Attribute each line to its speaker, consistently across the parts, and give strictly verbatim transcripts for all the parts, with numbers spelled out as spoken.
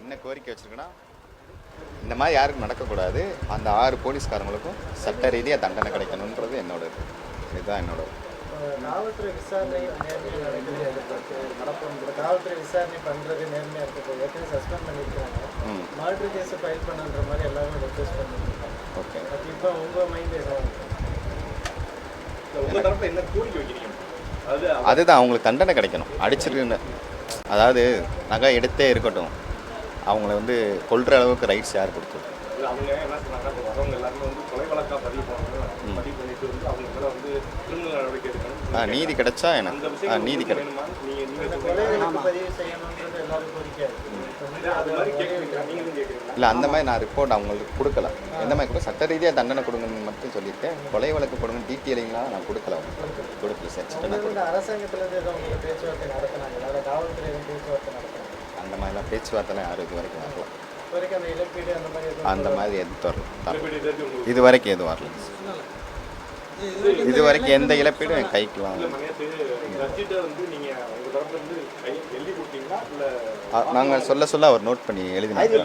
Speaker 1: என்ன கோரிக்கை வச்சுருக்கேன்னா, இந்த மாதிரி யாருக்கும் நடக்கக்கூடாது. அந்த ஆறு போலீஸ்காரங்களுக்கும் சட்ட ரீதியாக தண்டனை கிடைக்கணுன்றது என்னோட இதுதான் என்னோட
Speaker 2: காவல்துறை விசாரணை நேர்மையாக நடக்குது எதிர்பார்த்து நடப்போம். காவல்துறை விசாரணை பண்ணுறது நேர்மையாக இருக்குது. ஏற்கனவே சஸ்பெண்ட் பண்ணியிருக்காங்க. மர்டர் கேஸை ஃபைல் பண்ணுன்ற மாதிரி எல்லாரும் ரெக்வஸ்ட் பண்ணியிருக்காங்க.
Speaker 1: ஓகே,
Speaker 2: பட் இப்போ உங்கள் மைண்ட்
Speaker 3: உங்கள் தரப்பில் என்ன கோரிக்கை வைக்கிறீங்க? அது
Speaker 1: அதுதான் அவங்களுக்கு தண்டனை கிடைக்கணும். அடிச்சிருக்குன்னு அதாவது நகை எடுத்தே இருக்கட்டும், அவங்கள வந்து கொல்ற அளவுக்கு ரைட்ஸ் யார் கொடுத்தது?
Speaker 3: அவங்க என்ன சொன்னாங்க, வரவங்க எல்லாருமே வந்து கொலை வழக்காக பதிவு பண்ணணும், பதிவு பண்ணிட்டு வந்து அவங்க மேலே வந்து கிரிமினல் நடவடிக்கை எடுக்கணும்.
Speaker 1: ஆ நீதி கிடைச்சா எனக்கு ஆ நீதி கிடைக்கும்.
Speaker 3: நீங்கள் நீங்கள்
Speaker 2: கொலைகளுக்கு பதிவு செய்யணுன்றது எல்லாரும் கோரிக்கை
Speaker 3: அது மாதிரி கேட்குறீங்க, நீங்களும் கேட்குறீங்க.
Speaker 1: இல்லை, அந்த மாதிரி நான் ரிப்போர்ட் அவங்களுக்கு கொடுக்கல. எந்த மாதிரி கூட சட்ட ரீதியாக தண்டனை கொடுங்கன்னு மட்டும் சொல்லியிருக்கேன். கொலை வழக்கு கொடுங்க டீட்டெயிலிங்லாம் நான் கொடுக்கல. அவங்க கொடுக்கல சார்.
Speaker 2: அரசாங்கத்துலேருந்து எதுவும் உங்களுக்கு பேச்சுவார்த்தை நடத்தினாங்க, அதாவது காவல்துறை எதுவும் பேச்சுவார்த்தை நடத்தினாங்க?
Speaker 1: அந்த மாதிரிலாம் பேச்சுவார்த்தைலாம் யாரும் இது வரைக்கும் வரல.
Speaker 2: வரைக்கும் அந்த இழப்பீடு அந்த மாதிரி எதுவும்
Speaker 1: அந்த மாதிரி எதுவும் வரல. இது வரைக்கும் எதுவும் வரல. இது வரைக்கும் எந்த இழப்பீடும் என் கைக்கு வாங்க. நாங்கள் சொல்ல சொல்ல அவர் நோட் பண்ணி எழுதினாங்க.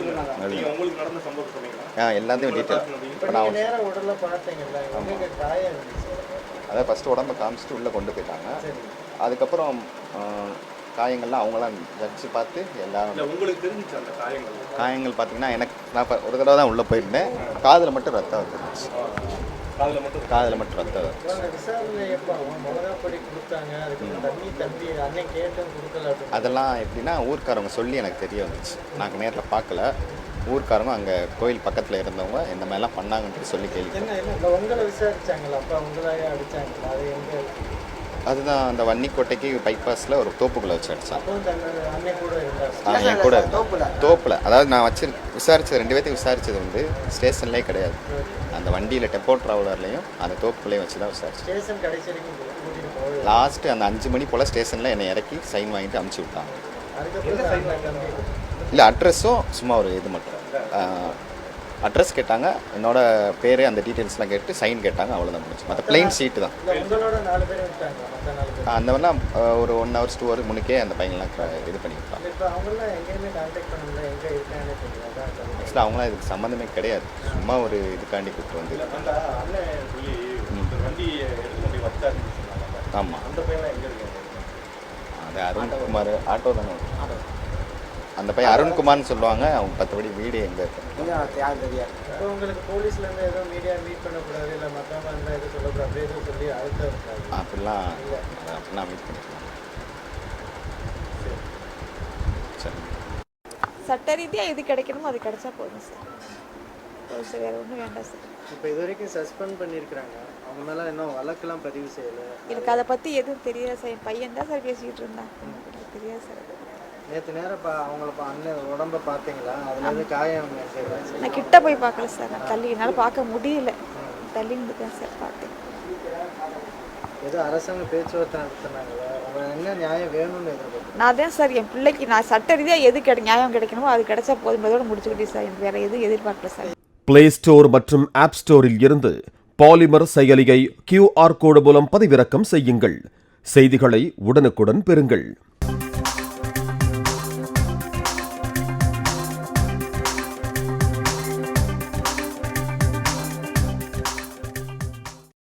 Speaker 1: ஆ எல்லாத்தையும் டீட்டெயில். இப்போ நான்
Speaker 2: நேரம் உடலை பார்த்தீங்கல்ல, காயம்
Speaker 1: அதான் ஃபஸ்ட்டு உடம்பை காமிச்சிட்டு உள்ளே கொண்டு போயிட்டாங்க. அதுக்கப்புறம் காயங்கள்லாம் அவங்களாம் ஜட்ஜு பார்த்து எல்லாரும்
Speaker 3: உங்களுக்கு தெரிஞ்சிச்சு அந்த காயங்கள்
Speaker 1: காயங்கள் பார்த்தீங்கன்னா எனக்கு நான் இப்போ ஒரு தடவை தான் உள்ளே போயிருந்தேன். காதில் மட்டும் ரத்தம் வந்துருந்துச்சு.
Speaker 3: காதில் மட்டும்
Speaker 1: காதில் மட்டும் ரத்தம் வந்துச்சு.
Speaker 2: விசாரணை எப்போ மிளகாப்பொடி கொடுத்தாங்க, அதுக்கு தண்ணி தம்பி அன்னைக்கு கேட்டும் கொடுக்கல.
Speaker 1: அதெல்லாம் எப்படின்னா ஊர்க்காரவங்க சொல்லி எனக்கு தெரிய வந்துச்சு. நாங்கள் நேரில் பார்க்கல. ஊர்க்காரங்க அங்கே கோயில் பக்கத்தில் இருந்தவங்க இந்த மாதிரிலாம் பண்ணாங்கன்ட்டு சொல்லி கேள்வி.
Speaker 2: என்ன என்ன உங்களை விசாரிச்சாங்களா? அப்போ உங்களையே அடித்தாங்களா? அது எங்கே?
Speaker 1: அதுதான் அந்த வன்னிக்கோட்டைக்கு பைபாஸில் ஒரு தோப்புக்குள்ளே வச்சு அடித்தான்.
Speaker 2: அன்னை கூட இருந்தா
Speaker 1: என் கூட தோப்பில். அதாவது நான் வச்சு விசாரித்தது ரெண்டு பேர்த்தையும் விசாரித்தது வந்து ஸ்டேஷன்லேயே கிடையாது. அந்த வண்டியில் டெம்போ ட்ராவலர்லேயும் அந்த தோப்புக்குள்ளேயும் வச்சு தான் விசாரிச்சேன்.
Speaker 2: ஸ்டேஷன் கடைசி வரைக்கும் கூட்டிகிட்டு போய்
Speaker 1: லாஸ்ட்டு அந்த அஞ்சு மணி போல் ஸ்டேஷனில் என்னை இறக்கி சைன் வாங்கிட்டு அமுச்சு விட்டாங்க. இல்லை, அட்ரஸும் சும்மா ஒரு இது மட்டும் அட்ரஸ் கேட்டாங்க, என்னோட பேர் அந்த டீட்டெயில்ஸ்லாம் கேட்டு சைன் கேட்டாங்க, அவ்வளோதான் முடிச்சு. மற்ற பிளெயின் சீட்டு தான். அந்த மாதிரிலாம் ஒரு ஒன் ஹவர்ஸ் டூ ஹவருக்கு முன்னுக்கே அந்த பையன்லாம் இது பண்ணிவிட்டாங்க. ஆக்சுவலாக அவங்களாம் இதுக்கு சம்மந்தமே கிடையாது. சும்மா ஒரு இதுக்காண்டி கூப்பிட்டு வந்து. ஆமாம், அது அருண்குமார் ஆட்டோ தானே. அந்த பையன் அருண்குமார்னு சொல்லுவாங்க. அவங்க பத்தபடி வீடு எங்கே இருக்கு
Speaker 2: உங்களுக்கு போலீஸ்லேருந்து எதுவும் மீடியா மீட் பண்ணக்கூடாது, இல்லை மற்றவங்க இருந்தால் எதுவும் சொல்லக்கூடாது, அப்படியே எதுவும் சொல்லி அழுத்தம் இருக்காது?
Speaker 1: அப்படிலாம் அப்படிலாம் மீட் பண்ணிக்கலாம். சரி,
Speaker 4: சட்ட ரீதியாக எது கிடைக்கணுமோ அது கிடைச்சா போதும் சார். போதும் சார், வேறு ஒன்றும் வேண்டாம் சார்.
Speaker 2: இப்போ இது வரைக்கும் சஸ்பெண்ட் பண்ணியிருக்கிறாங்க, அவங்க மேலே இன்னும் வழக்கெல்லாம் பதிவு செய்யலை.
Speaker 4: எனக்கு அதை பற்றி எதுவும் தெரியாது சார். என் பையன் தான் சார் பேசிக்கிட்டு இருந்தான். எனக்கு தெரியாது சார்.
Speaker 2: நேற்று நேரம் பா அவங்கள அண்ணன் உடம்பை பார்த்தீங்களா? அதில் எது காயம்?
Speaker 4: நான் கிட்ட போய் பார்க்கல சார். நான் தள்ளி என்னால் பார்க்க முடியல. தள்ளி இருந்துட்டேன் சார். பார்த்தேன்.
Speaker 2: ஏதோ அரசாங்க பேச்சுவார்த்தை நடத்தினாங்களா? அவங்க என்ன நியாயம் வேணும்னு எதிர்பார்த்து?
Speaker 4: நான் தான் சார் என் பிள்ளைக்கு நான் சட்ட ரீதியாக எது கிடை நியாயம் கிடைக்கணுமோ அது கிடைச்சா போதும், அதோட முடிச்சுக்கிட்டேன் சார். எனக்கு வேறு எதுவும் எதிர்பார்க்கல சார்.
Speaker 5: பிளே ஸ்டோர் மற்றும் ஆப் ஸ்டோரில் இருந்து பாலிமர் செயலியை கியூஆர் கோடு மூலம் பதிவிறக்கம் செய்யுங்கள். செய்திகளை உடனுக்குடன் பெறுங்கள்.